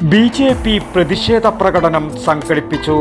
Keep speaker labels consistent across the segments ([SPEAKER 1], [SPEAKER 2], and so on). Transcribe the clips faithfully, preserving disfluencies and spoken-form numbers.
[SPEAKER 1] B J P പ്രതിഷേധ പ്രകടനം സംഘടിപ്പിച്ചു.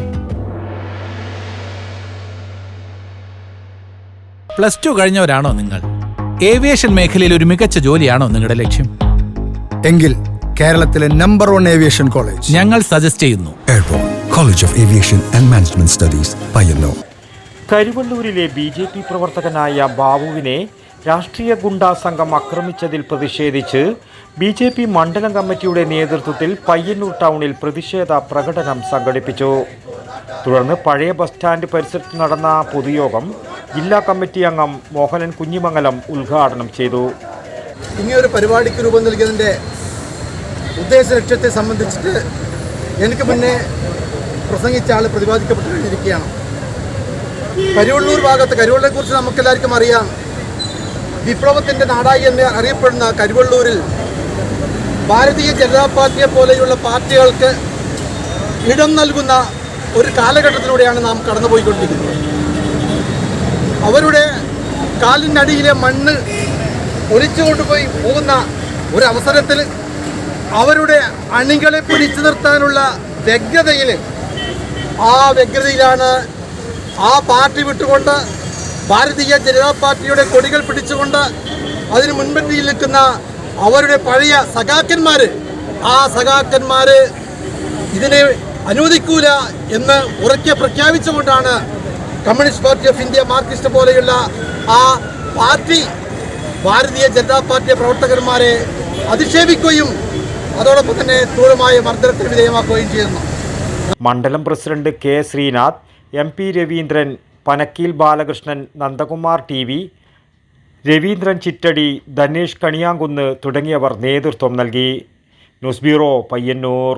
[SPEAKER 2] പ്ലസ് ടു കഴിഞ്ഞവരാണോ നിങ്ങൾ? ഏവിയേഷൻ മേഖലയിൽ ഒരു മികച്ച ജോലിയാണോ നിങ്ങളുടെ ലക്ഷ്യം?
[SPEAKER 3] എങ്കിൽ കേരളത്തിലെ നമ്പർ വൺ ഏവിയേഷൻ കോളേജ്
[SPEAKER 2] ഞങ്ങൾ സജസ്റ്റ് ചെയ്യുന്നു.
[SPEAKER 4] Airport college of aviation and management studies, Payyanur.
[SPEAKER 1] കരിവള്ളൂരിലെ ബി ജെ പി പ്രവർത്തകനായ ബാബുവിനെ രാഷ്ട്രീയ ഗുണ്ടാ സംഘം ആക്രമിച്ചതിൽ പ്രതിഷേധിച്ച് ബി ജെ പി മണ്ഡലം കമ്മിറ്റിയുടെ നേതൃത്വത്തിൽ പയ്യന്നൂർ ടൗണിൽ പ്രതിഷേധ പ്രകടനം സംഘടിപ്പിച്ചു. തുടർന്ന് പഴയ ബസ് സ്റ്റാൻഡ് പരിസരത്ത് നടന്ന പൊതുയോഗം ജില്ലാ കമ്മിറ്റി അംഗം മോഹനൻ കുഞ്ഞിമംഗലം ഉദ്ഘാടനം ചെയ്തു.
[SPEAKER 5] ഇങ്ങനെയൊരു പരിപാടിക്ക് രൂപം നൽകിയതിൻ്റെ ഉദ്ദേശ ലക്ഷ്യത്തെ സംബന്ധിച്ചിട്ട് എനിക്ക് മുന്നേ പ്രസംഗിച്ച ആൾ പ്രതിപാദിക്കപ്പെട്ടു കഴിഞ്ഞിരിക്കുകയാണ്. കരിവള്ളൂർ ഭാഗത്ത്, കരിവള്ളൂരെക്കുറിച്ച് നമുക്കെല്ലാവർക്കും അറിയാം. വിപ്ലവത്തിൻ്റെ നാടായി എന്ന് അറിയപ്പെടുന്ന കരിവള്ളൂരിൽ ഭാരതീയ ജനതാ പാർട്ടിയെ പോലെയുള്ള പാർട്ടികൾക്ക് ഇടം നൽകുന്ന ഒരു കാലഘട്ടത്തിലൂടെയാണ് നാം കടന്നുപോയിക്കൊണ്ടിരിക്കുന്നത്. അവരുടെ കാലിനടിയിലെ മണ്ണ് ഒലിച്ചു കൊണ്ടുപോയി പോകുന്ന ഒരവസരത്തിൽ അവരുടെ അണികളെ പിടിച്ചു നിർത്താനുള്ള വ്യഗ്രതയിൽ ആ വ്യഗ്രതയിലാണ് ആ പാർട്ടി വിട്ടുകൊണ്ട് ഭാരതീയ ജനതാ പാർട്ടിയുടെ കൊടികൾ പിടിച്ചുകൊണ്ട് അതിന് മുൻപന്തിയിൽ നിൽക്കുന്ന അവരുടെ പഴയ സഖാക്കന്മാർ ആ സഖാക്കന്മാർ ഇതിനെ അനുവദിക്കൂല എന്ന് ഉറക്കെ പ്രഖ്യാപിച്ചുകൊണ്ടാണ് communist party of India, Marxist പോലെയുള്ള ആ പാർട്ടി ഭാരതീയ ജനതാ പാർട്ടി പ്രവർത്തകന്മാരെ അധിക്ഷേപിക്കുകയും അതോടൊപ്പം തന്നെ ക്രൂരമായ മർദ്ദനത്തിന് വിധേയമാക്കുകയും ചെയ്യുന്നു.
[SPEAKER 1] മണ്ഡലം president K Sreenath, M P Raveendran, Panakkeel Balakrishnan, Nandakumar T V, Raveendran Chittadi, Dhanesh Kaniyankunnu തുടങ്ങിയവർ നേതൃത്വം നൽകി. News bureau, Payyanur.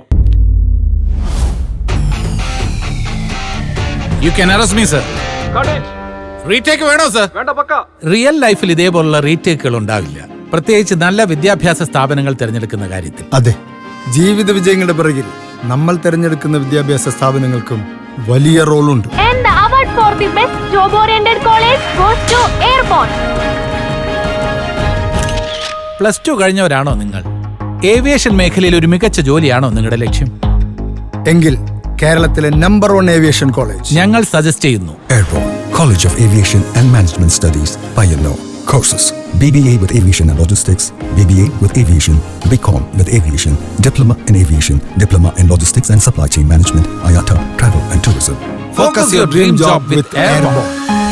[SPEAKER 2] You can arrest me sir. Retake വേണോ സർ? റിയൽ ലൈഫിൽ ഇതേപോലുള്ള റീടേക്കുകൾ ഉണ്ടാവില്ല, പ്രത്യേകിച്ച് നല്ല വിദ്യാഭ്യാസ സ്ഥാപനങ്ങൾ തിരഞ്ഞെടുക്കുന്ന കാര്യത്തിൽ.
[SPEAKER 3] അതെ, ജീവിത വിജയങ്ങളുടെ പിറകിൽ നമ്മൾ തിരഞ്ഞെടുക്കുന്ന വിദ്യാഭ്യാസ സ്ഥാപനങ്ങൾക്കും വലിയ റോളുണ്ട്.
[SPEAKER 6] For the best job oriented college goes to Airborne.
[SPEAKER 2] Plus two കഴിഞ്ഞവരാണോ നിങ്ങൾ? ഏവിയേഷൻ മേഖലയിൽ ഒരു മികച്ച ജോലിയാണോ നിങ്ങളുടെ ലക്ഷ്യം?
[SPEAKER 3] എങ്കിൽ കേരളത്തിലെ നമ്പർ വൺ ഏവിയേഷൻ കോളേജ്
[SPEAKER 2] ഞങ്ങൾ സജസ്റ്റ് ചെയ്യുന്നു.
[SPEAKER 4] Airport college of aviation and management studies, Payyanur. Courses: B B A with Aviation and Logistics, B B A with Aviation, B Com with Aviation, Diploma in Aviation, Diploma in Logistics and Supply Chain Management, I A T A, Travel and Tourism.
[SPEAKER 2] Focus your dream job with Airborne.